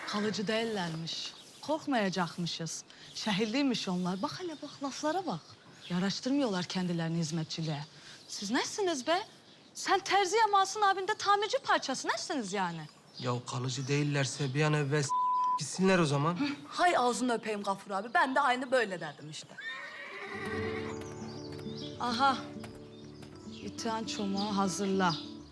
Kalıcı değillermiş. Korkmayacakmışız. Şehirliymiş onlar. Bak hele bak, laflara bak. Yaraştırmıyorlar kendilerini hizmetçiliğe. Siz nesiniz be? Sen terzi yamasın abinde tamirci parçası. Nesiniz yani? Ya kalıcı değillerse bir an evvel gitsinler o zaman. Hay ağzını öpeyim Gafur abi. Ben de aynı böyle derdim işte. Aha. İtihan çomağı hazırla.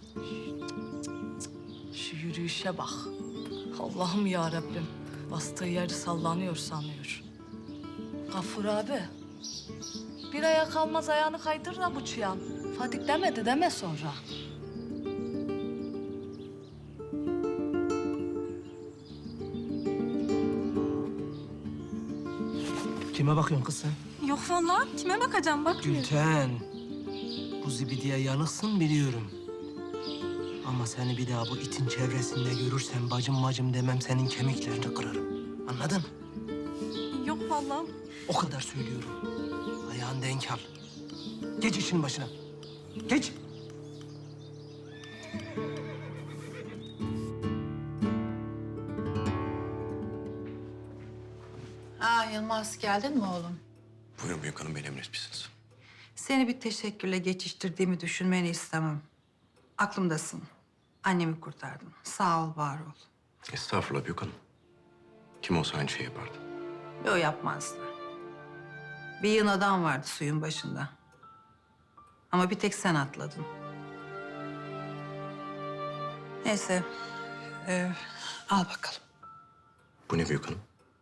Şu yürüyüşe bak. Allah'ım ya Rabbim. Bastığı yeri sallanıyor sanıyor. Gafur abi. Bir aya kalmaz ayağını kaydır da bu çıyan. Fadik demedi deme sonra. Kime bakıyorsun kız sen? Yok vallahi. Kime bakacağım? Bakmıyorum. Gülten. Bu zibidiye yanıksın biliyorum. Ama seni bir daha bu itin çevresinde görürsem bacım demem, senin kemiklerini kırarım. Anladın? Yok vallahi. O kadar söylüyorum. Ayağını denk al. Geç işin başına. Geç. Yılmaz, geldin mi oğlum? Buyurun büyük hanım, beni emretmişsiniz. Seni bir teşekkürle geçiştirdiğimi düşünmeni istemem. Aklımdasın. Annemi kurtardın. Sağ ol, var ol. Estağfurullah büyük hanım. Kim olsa aynı şey yapardı. Yo, yapmazdı. Bir yığın adam vardı suyun başında. Ama bir tek sen atladın. Neyse. Al bakalım. Bu ne büyük hanım?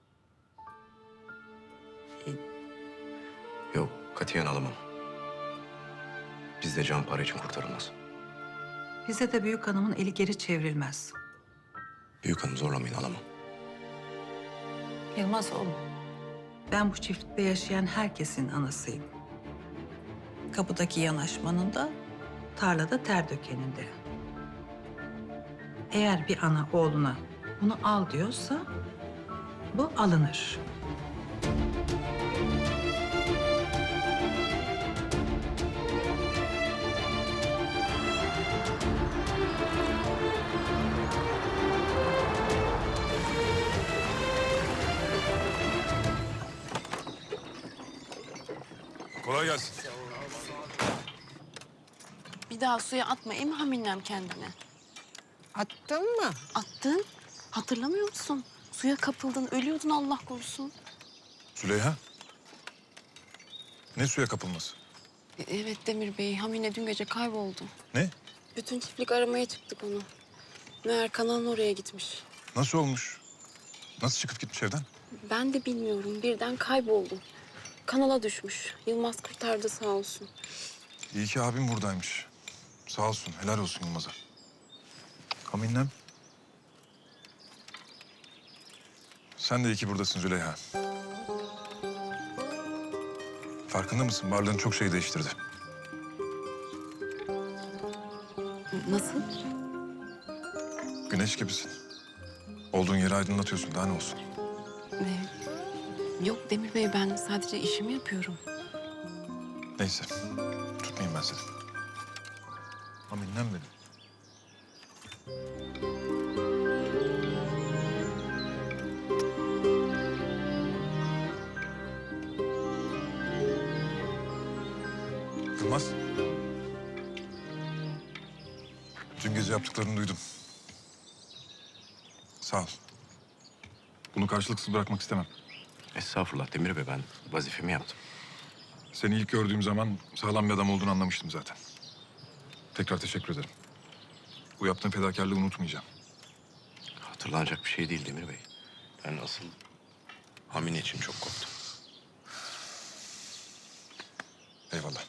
Yok, katiyen alamam. Bizde can para için kurtarılmaz. Bize de büyük hanımın eli geri çevrilmez. Büyük hanım zorlamayın, alamam. Yılmaz oğlum. Ben bu çiftlikte yaşayan herkesin anasıyım. Kapıdaki yanaşmanın da, tarlada ter dökenin de. Eğer bir ana oğluna bunu al diyorsa bu alınır. Kolay gelsin. Bir daha suya atma em haminem kendini. Attın mı? Attın. Hatırlamıyor musun? Suya kapıldın, ölüyordun Allah korusun. Züleyha. Ne suya kapılması? Evet Demir Bey, Hamine dün gece kayboldu. Ne? Bütün çiftlik aramaya çıktık onu. Meğer kanalın oraya gitmiş. Nasıl olmuş? Nasıl çıkıp gitmiş evden? Ben de bilmiyorum, birden kayboldu. Kanala düşmüş. Yılmaz kurtardı sağ olsun. İyi ki abim buradaymış. Sağ olsun, helal olsun Yılmaz'a. Kaminlem. Sen de iyi ki buradasın Züleyha. Farkında mısın? Varlığın çok şey değiştirdi. Nasıl? Güneş gibisin. Olduğun yeri aydınlatıyorsun. Daha ne olsun? Yok Demir Bey, ben sadece işimi yapıyorum. Neyse. Tutmayayım ben seni. Kaminlem benim. Yılmaz. Dün gece yaptıklarını duydum. Sağ ol. Bunu karşılıksız bırakmak istemem. Estağfurullah Demir Bey, ben vazifemi yaptım. Seni ilk gördüğüm zaman sağlam bir adam olduğunu anlamıştım zaten. Tekrar teşekkür ederim. Bu yaptığın fedakarlığı unutmayacağım. Hatırlanacak bir şey değil Demir Bey. Ben asıl Hamine için çok korktum. Eyvallah.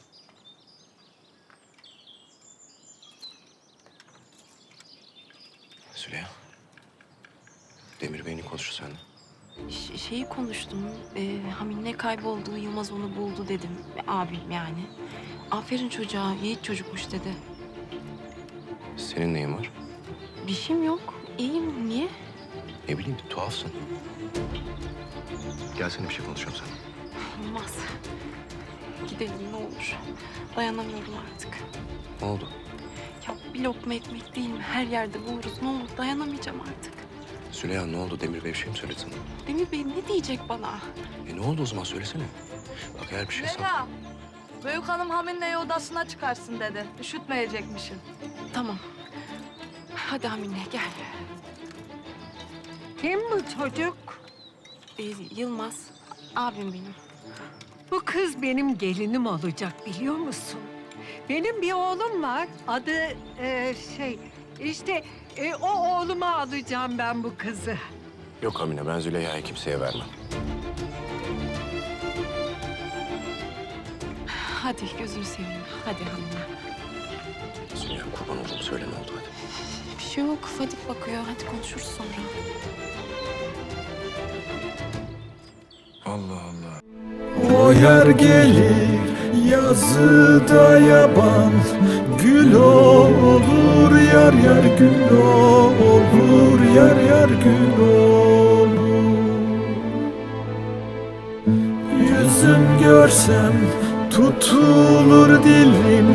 Züleyha. Demir Bey'in konuştu seninle. Şeyi konuştum. Hamine kayboldu, Yılmaz onu buldu dedim. Abim yani. Aferin çocuğa, yiğit çocukmuş dedi. Senin neyin var? Bir şeyim yok. İyiyim. Niye? Ne bileyim, bir tuhafsın. Gelsene bir şey konuşalım seninle. Olmaz. Gidelim ne olur. Dayanamıyorum artık. Ne oldu? Ya bir lokma ekmek değil mi? Her yerde buluruz. Ne olur dayanamayacağım artık. Züleyha ne oldu? Demir Bey bir şey mi söyledi sana? Demir Bey ne diyecek bana? Ne oldu o zaman söylesene. Bak eğer bir şey Leyla, büyük hanım Hamine'yi odasına çıkarsın dedi. Üşütmeyecekmişsin. Tamam. Hadi Hamine gel. Kim bu çocuk? Yılmaz, abim benim. Bu kız benim gelinim olacak biliyor musun? Benim bir oğlum var. Adı o oğluma alacağım ben bu kızı. Yok Hamine, ben Züleyha'yı kimseye vermem. Hadi gözünü seveyim. Hadi Hamine. Züleyha kurban oldum, söyle ne oldu hadi. Bir şey yok. Fadik bakıyor. Hadi konuşuruz sonra. Allah Allah. O yer gelir yazıda yaban, gül olur yar yar gül olur yar yar gül olur. Yüzüm görsem tutulur dilim.